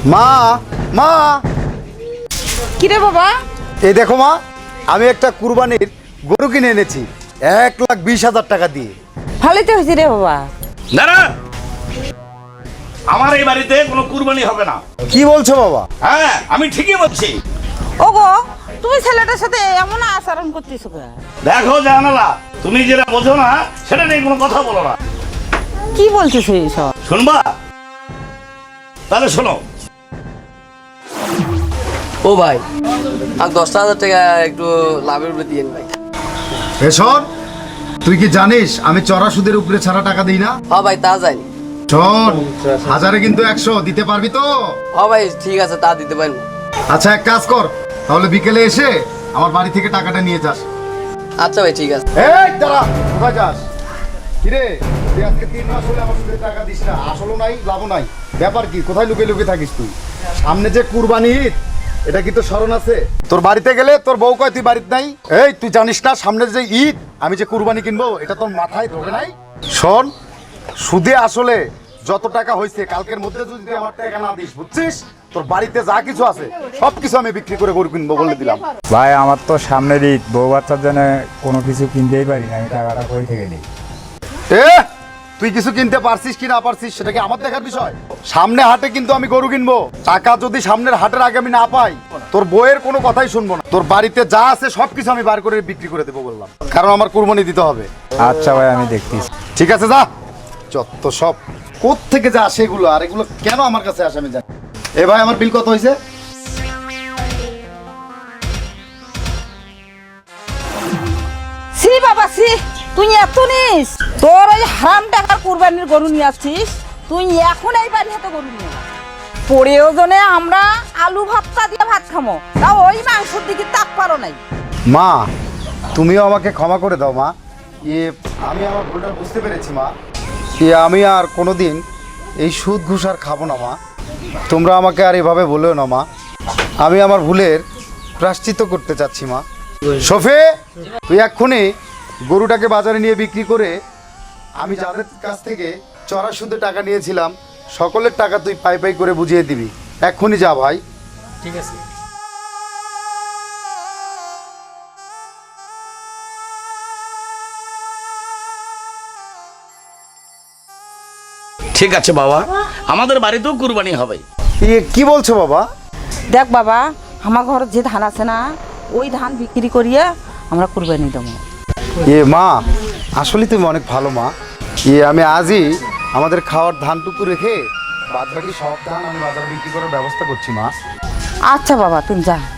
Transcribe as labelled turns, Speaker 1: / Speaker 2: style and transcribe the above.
Speaker 1: মা মা
Speaker 2: কিরে বাবা?
Speaker 1: এই দেখো মা, আমি একটা কুরবানির গরু কিনে এনেছি 1,20,000 টাকা দিয়ে।
Speaker 2: ভালোই তো হয়েছে রে বাবা।
Speaker 3: দাঁড়া, আমার এই বাড়িতে কোনো কুরবানি হবে না।
Speaker 1: কি বলছো বাবা?
Speaker 3: হ্যাঁ, আমি ঠিকই বলছি।
Speaker 2: ওগো, তুমি ছেলেটার সাথে এমন আচরণ করতেছো কেন?
Speaker 3: দেখো জানালা, তুমি যেটা বোঝো না সেটা নিয়ে কোনো কথা বলো না।
Speaker 2: কি বলতেছো এইসব?
Speaker 3: শুনবা? তাহলে শোনো।
Speaker 4: ও ভাই, আর 10,000 টাকা একটু লাভের উপরে দিয়েন ভাই।
Speaker 1: শোন, তুই কি জানিস আমি চড়া সুদের উপরে ছাড়া টাকা দিই না?
Speaker 4: হ্যাঁ ভাই, তা যায়নি।
Speaker 1: শোন, হাজারে কিন্তু 100 দিতে পারবি তো?
Speaker 4: হ্যাঁ ভাই, ঠিক আছে, তা দিতে পারবো।
Speaker 1: আচ্ছা, এক কাজ কর, তাহলে বিকেলে এসে আমার বাড়ি থেকে টাকাটা নিয়ে যাস।
Speaker 4: আচ্ছা ভাই, ঠিক আছে।
Speaker 1: এই দাঁড়া, কোথায় যাস? কিরে, তুই আজকে 3 মাস হলে আমার সুদের টাকা দিস না, আসলও নাই লাভও নাই, ব্যাপার কি? কোথায় লুকিয়ে লুকিয়ে থাকিস তুই? সামনে যে কুরবানি ঈদ, এটা কি তোর স্মরণ আছে? তোর বাড়িতে গেলে তোর বউ কয় তুই বাড়িতে নাই। এই তুই জানিস না সামনে যে ঈদ, আমি যে কুরবানি কিনবো, এটা তোর মাথায় ঢোকে নাই? শোন, সুদে আসলে যত টাকা হয়েছে কালকের মধ্যে যদি তুই আমার টাকা না দিস, বুঝছিস, তোর বাড়িতে যা কিছু আছে সব কিছু আমি বিক্রি করে গরু কিনবো বলে দিলাম।
Speaker 5: ভাই, আমার তো সামনের ঈদ, বউ বাচ্চার জন্য কোনো কিছু কিনতেই পারি না, আমি টাকাটা কই থেকে নিই?
Speaker 1: তুই কিছু কিনতে পারছিস কি না পারছিস সেটা কি আমার দেখার বিষয়? সামনে হাটে কিন্তু আমি গরু কিনবো, টাকা যদি সামনের হাটের আগে আমি না পাই, তোর বইয়ের কোনো কথাই শুনবো না। তোর বাড়িতে যা আছে সবকিছু আমি বার করে বিক্রি করে দেবো বললাম, কারণ আমার কুরবানি দিতে হবে।
Speaker 5: আচ্ছা ভাই, আমি দেখতেছি।
Speaker 1: ঠিক আছে, যা। যত সব কোত্থেকে যা আসে এগুলো, আর এগুলো কেন আমার কাছে আসে আমি জানি। এ ভাই, আমার বিল কত হয়েছে?
Speaker 2: সি বাবা সি, তুই এত নিস? তোর ওই হারাম টাকার কুরবানির গরু নিয়ে আসছিস, তুই এখন এই বাড়ি হাতে গরু নিয়ে প্রয়োজনে আমরা আলু ভর্তা দিয়ে ভাত খামো, তা ওই মাংসের দিকে তাক পারো নাই।
Speaker 1: মা, তুমিও আমাকে ক্ষমা করে দাও মা। আমি আমার ভুলটা বুঝতে পেরেছি মা। আমি আর কোনোদিন এই সুদ ঘুষ আর খাবো না মা। তোমরা আমাকে আর এভাবে বলেও না মা। আমি আমার ভুলের প্রায়শ্চিত্ত করতে চাচ্ছি মা। শফি, তুই এক্ষুনি গরুটাকে বাজারে নিয়ে বিক্রি করে আমি যাদের কাছ থেকে চড়া সুদে টাকা নিয়েছিলাম সকলের টাকা তুই পাই পাই করে বুঝিয়ে দিবি। এক্ষুনি যা ভাই।
Speaker 4: ঠিক আছে।
Speaker 3: ঠিক আছে বাবা, আমাদের বাড়িতেও কুরবানি হবে।
Speaker 1: কি বলছো বাবা?
Speaker 2: দেখ বাবা, আমার ঘরে যে ধান আছে না, ওই ধান বিক্রি করিয়ে আমরা কুরবানি দেবো।
Speaker 1: মা, আসলে তুমি অনেক ভালো মা। আমি আজই আমাদের খাওয়ার ধানটুকু রেখে বাদ বাকি সব ধান আমি বাজারে বিক্রি করার ব্যবস্থা করছি মা।
Speaker 2: আচ্ছা বাবা, তুমি যা।